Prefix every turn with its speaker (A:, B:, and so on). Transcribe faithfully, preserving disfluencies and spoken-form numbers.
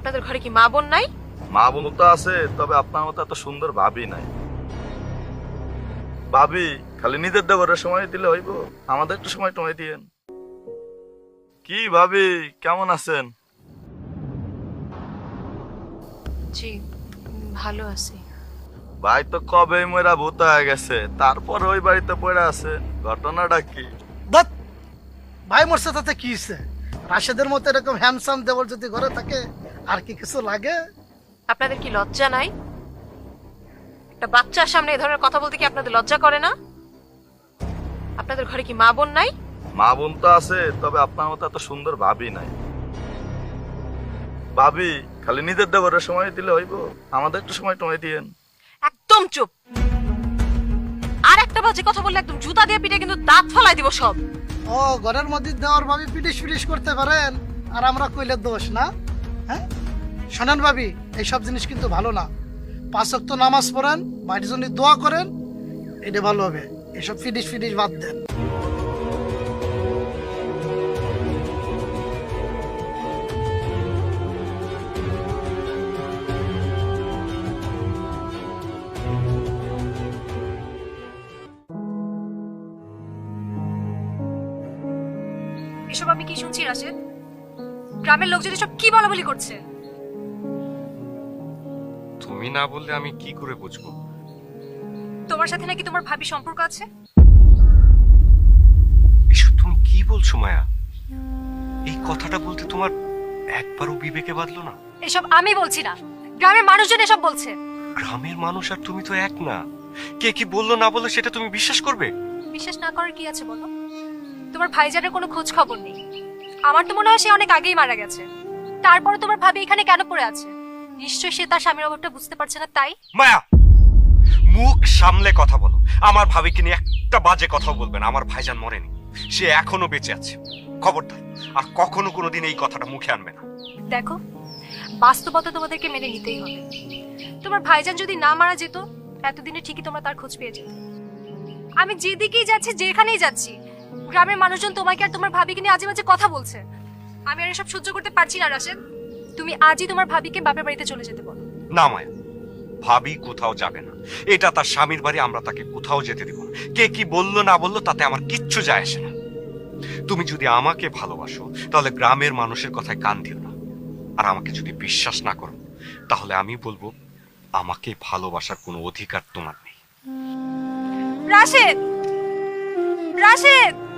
A: আপনাদের ঘরে কি মা বোন নাই?
B: মা বোন তো আছে, তবে আপনার মতো এত সুন্দর ভাবি নাই। ভাবি খালি নিজের দেবরের সময় দিলে হইব, আমাদের একটু সময় টময় দিয়েন। কি ভাবি, কেমন আছেন?
A: জি ভালো আছি।
B: ভাই তো কবে মরা ভূত হয়ে গেছে, তারপর ওই বাড়িতে পড়ে আছে, ঘটনাটা কি?
C: বাট ভাই মরছে তাতে কি হয়েছে? রাশেদের মতো এরকম হ্যান্ডসাম দেবর যদি ঘরে থাকে আর কি কিছু লাগে?
A: আপনাদের কি লজ্জা নাই? একটা বাচ্চার সামনে এই ধরনের কথা বলতে কি আপনাদের লজ্জা করে না? আপনাদের ঘরে কি মা বোন নাই?
B: মা বোন তো আছে, তবে আপনার মতো এত সুন্দর ভাবি নাই। ভাবি খালি নিজের দেবরের সময় দিলে হইব, আমাদের একটু সময় টময় দিয়েন।
A: একদম চুপ। আর একটা বাজে কথা বললে একদম জুতা দিয়ে পিটে কিন্তু দাঁত ফলাই দিব সব।
C: ও ঘরের মধ্যে দেওয়ার ভাবি পিটিশ পিটিশ করতে পারেন আর আমরা কইলে দোষ না? হ্যাঁ শোনেন ভাবি, এইসব জিনিস কিন্তু ভালো না। পাঁচ ওয়াক্ত নামাজ পড়েন, বাড়ির জন্য দোয়া করেন, এটা ভালো হবে। এসব ফিটিশ ফিটিশ বাদ দেন।
D: এসব আমি কি শুনছি রাশেদ? গ্রামের লোকজন এসব কি বলা বলি করছে?
E: তুমি না বললে আমি কি করে বুঝবো?
D: তোমার সাথে নাকি তোমার ভাবি সম্পর্ক আছে?
E: এসব তুমি কি বলছো মায়া? এই কথাটা বলতে তোমার একবারও বিবেকে বাঁধলো না?
D: এসব আমি বলছি না, গ্রামের মানুষজন এসব বলছে।
E: গ্রামের মানুষ আর তুমি তো এক না। কে কি বললো না বললো সেটা তুমি বিশ্বাস করবে?
D: বিশ্বাস না করার কি আছে বলো? তোমার ভাইজানের কোনো খোঁজ খবর নেই। আমার তো মনে হয় সে অনেক আগেই মারা গেছে। তারপরে তোমার ভাবি এখানে কেন পড়ে আছে? নিশ্চয়ই সে তার স্বামীর অভাবটা বুঝতে পারছে না, তাই।
E: মায়া, মুখ সামলে কথা বলো। আমার ভাবিকে নিয়ে একটা বাজে কথাও বলবে না। আমার ভাইজান মরেনি, সে এখনো বেঁচে আছে। খবরদার আর কখনো কোনোদিন এই কথাটা মুখে আনবে না।
D: দেখো, বাস্তবতা তোমাদেরকে মেনে নিতেই হবে। তোমার ভাইজান যদি না মারা যেত, এতদিনে ঠিকই তোমরা তার খোঁজ পেয়ে যেত। আমি যেদিকেই যাচ্ছি, যেখানেই যাচ্ছি, গ্রামের মানুষজন তোমাকে আর তোমার ভাবিকে নিয়ে আজে বাজে কথা বলছে। আমি আর এসব সহ্য করতে পারছি না রাশেদ। তুমি আজই তোমার ভাবিকে বাপের বাড়িতে চলে যেতে বলো।
E: না মায়া, ভাবি কোথাও যাবে না। এটা তার স্বামীর বাড়ি, আমরা তাকে কোথাও যেতে দেব না। কে কি বললো না বললো তাতে আমার কিচ্ছু যায় আসে না। তুমি যদি আমাকে ভালোবাসো তাহলে গ্রামের মানুষের কথায় কান দিও না। আর আমাকে যদি বিশ্বাস না করো তাহলে আমি বলবো আমাকে ভালোবাসার কোনো অধিকার তোমার নেই।
D: রাশেদ, রাশেদ।